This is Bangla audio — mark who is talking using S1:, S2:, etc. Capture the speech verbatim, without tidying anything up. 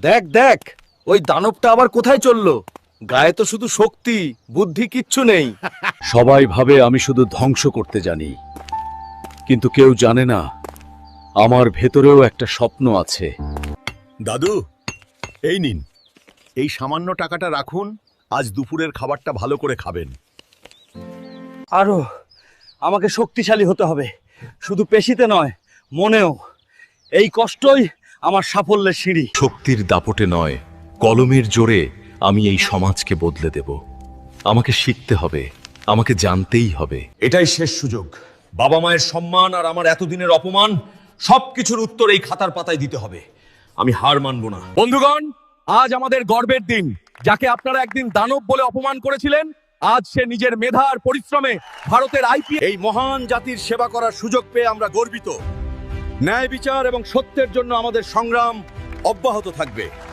S1: দেখ দেখ, ওই দানবটা আবার কোথায় চললো? গায়ে তো শুধু শক্তি, বুদ্ধি কিচ্ছু নেই।
S2: সবাই ভাবে আমি শুধু ধ্বংস করতে জানি, কিন্তু কেউ জানে না আমার ভেতরেও একটা স্বপ্ন আছে।
S3: দাদু, এই নিন, এই সামান্য টাকাটা রাখুন। আজ দুপুরের খাবারটা ভালো করে খাবেন।
S1: আরো আমাকে শক্তিশালী হতে হবে, শুধু পেশিতে নয়, মনেও। এই কষ্টই আমার সাফল্যের সিঁড়ি।
S4: শক্তির দাপটে নয়, কলমের জোরে আমি এই সমাজকে বদলে দেব। আমাকে শিখতে হবে, আমাকে জানতেই হবে।
S3: এটাই শেষ সুযোগ। বাবা মায়ের সম্মান আর আমার এতদিনের অপমান, সবকিছুর উত্তর এই খাতার পাতায় দিতে হবে। আমি হার মানব না।
S1: বন্ধুগণ, আজ আমাদের গর্বের দিন। যাকে আপনারা একদিন দানব বলে অপমান করেছিলেন, আজ সে নিজের মেধা আর পরিশ্রমে ভারতের আইপিএস।
S3: এই মহান জাতির সেবা করার সুযোগ পেয়ে আমরা গর্বিত। ন্যায় বিচার এবং সত্যের জন্য আমাদের সংগ্রাম অব্যাহত থাকবে।